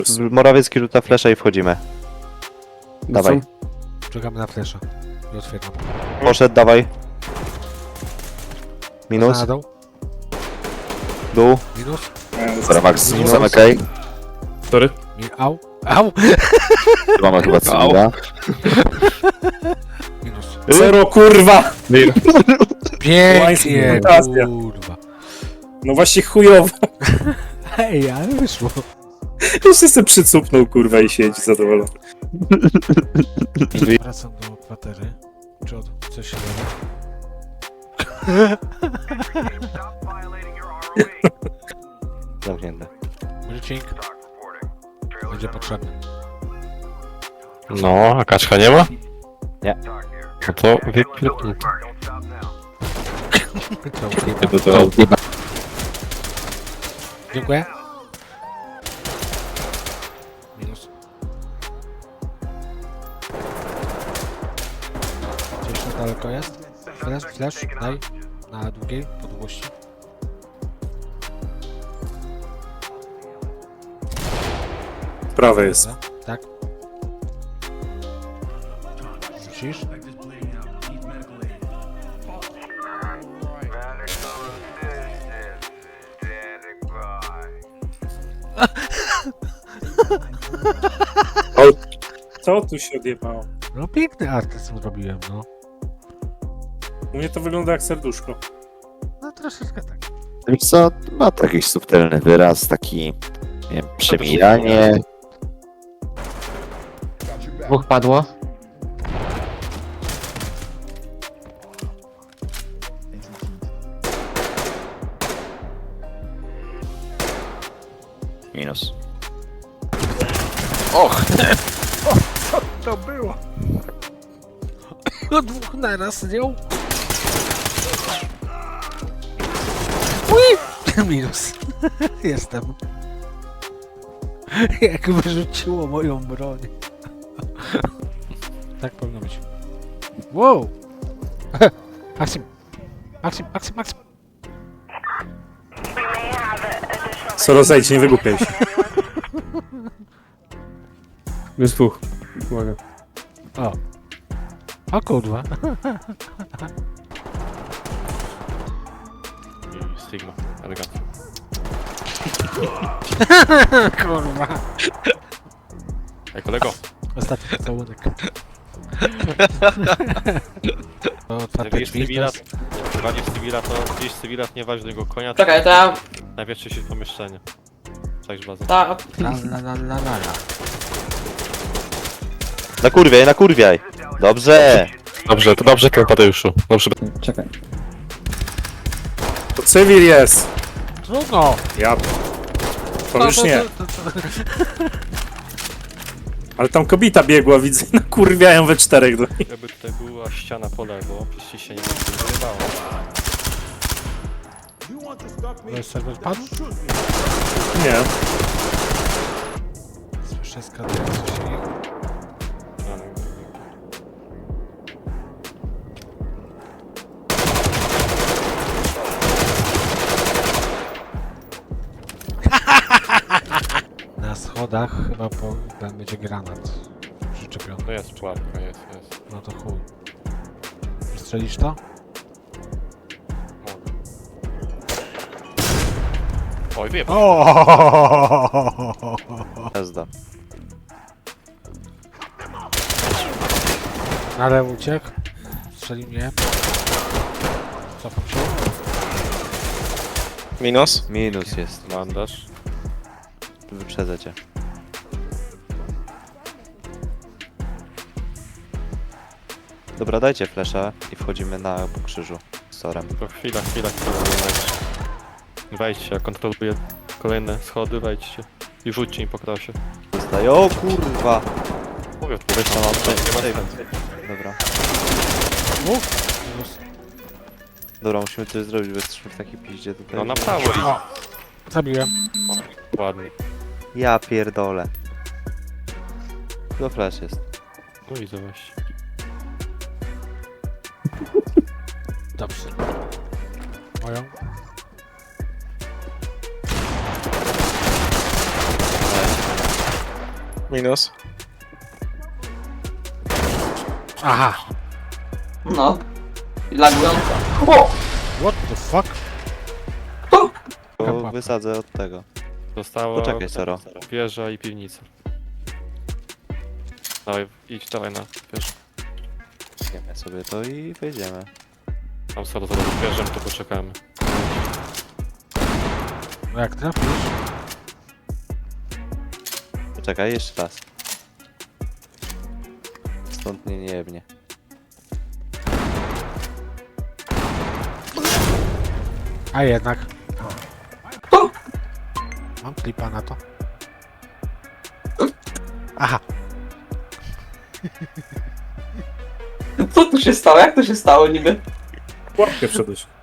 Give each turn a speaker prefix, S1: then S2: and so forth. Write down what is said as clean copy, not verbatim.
S1: Morawiecki rzuca flesza i wchodzimy. Dawaj.
S2: Czekamy na flesza. I otwieram.
S1: Poszedł, dawaj. Minus,
S2: Na dół.
S1: dół.
S2: Minus.
S1: Dobra, Max, zamykaj.
S3: Sorry.
S2: Au. Au.
S1: Mamy chyba cywila.
S2: Minus.
S3: Zero, kurwa!
S2: Pięknie,
S3: Fantazja.
S2: kurwa.
S3: No właśnie chujowo.
S2: Hej, ale wyszło.
S3: Jeszcze sobie przycupnął, kurwa, i siedzi zadowolony.
S2: Wracam do kwatery. Czy od coś się dzieje?
S1: Zamknięte.
S2: Brycink. Będzie potrzebny.
S4: No, a kaczka nie ma?
S1: Nie.
S4: No to wypierdol.
S2: To Dziękuję. Minus. Gdzieś to daleko jest? Flash, daj. Na długiej, po długości.
S3: Prawe jest.
S2: Dobra, tak. Musisz?
S3: Co tu się odjebało?
S2: No piękny artyzm zrobiłem, no.
S3: U mnie to wygląda jak serduszko.
S2: No troszeczkę tak.
S1: Wiesz co, ma to jakiś subtelny wyraz, taki, nie wiem, przemijanie.
S5: Dwóch padło.
S1: Minus.
S2: To było. No dwóch naraz zdjął. Ui! Minus. Jestem. Jak wyrzuciło moją broń. Tak powinno być. Wow! Maksim! Maksim, Maksim, Maksim!
S3: Soro, zejdź, nie wygłupiaj się.
S6: Jest dwóch. Uwaga.
S2: O! O kurwa!
S4: Stigma, elegancko.
S2: Kurwa!
S4: Ej, kolego,
S2: Ostatni całunek. To
S4: jak
S2: otwarte
S4: widzisz
S2: drzwi, to
S4: cywila,
S2: jest...
S4: walisz cywila, to gdzieś cywila, nie waż do niego konia, to
S5: Czekaj, to ja...
S4: najpierw się w pomieszczenie. Cześć bazę.
S5: Ta...
S2: La.
S1: Nakurwiaj. Dobrze.
S4: Dobrze, to dobrze, Tadeuszu. Dobrze.
S5: Czekaj.
S3: To cywil jest!
S2: Trudno!
S3: Ja... To już nie. Ale tam kobieta biegła, widzę, i nakurwiają we czterech do niej.
S4: Jakby tutaj była ściana po lewo, przecież się nie wydawało.
S2: To jest serwer padł?
S3: Nie.
S2: Słyszę skradający się. Na schodach chyba będzie granat przyczepiony.
S4: To jest pułapka, jest.
S2: No to chuj. Strzelisz to?
S4: Mogę. Oj, wiem.
S1: Jazda.
S2: Ale uciekł. Strzeli mnie. Cofam się.
S4: Minus?
S1: Minus jest.
S4: Bandaż.
S1: Wyprzedzę cię. Dobra, dajcie flesza i wchodzimy na krzyżu z Sorem.
S4: To chwila. Wejdźcie, ja kontroluję kolejne schody, wejdźcie. I rzućcie im po krosie.
S1: Zostaje. O kurwa!
S4: Mówię, tu
S1: Weź tam mam
S4: nie ma sensu.
S1: Dobra.
S2: Minus.
S1: Dobra, musimy coś zrobić, bo jesteśmy w takiej piździe tutaj.
S4: No na prawo i...
S2: Zabiłem.
S4: Ładnie.
S1: Ja pierdolę. To flash jest.
S4: No widzę właśnie.
S2: Dobrze. Moją.
S5: Minus.
S2: Aha!
S7: No. I lagująca. O!
S2: What the fuck?
S1: Bo wysadzę od tego.
S4: Zostało
S1: Poczekaj, Saro.
S4: wieża i piwnica. Dawaj, idź dawaj na wieżę.
S1: Wiemy sobie to i wejdziemy.
S4: Tam Saro zaraz wieżę, to poczekamy.
S2: No jak trafisz?
S1: Poczekaj, jeszcze raz. Stąd nie jebnie.
S2: A jednak. Mam klipa na to. Aha!
S7: Co tu się stało? Jak to się stało niby?
S3: Łapkę wszedłeś.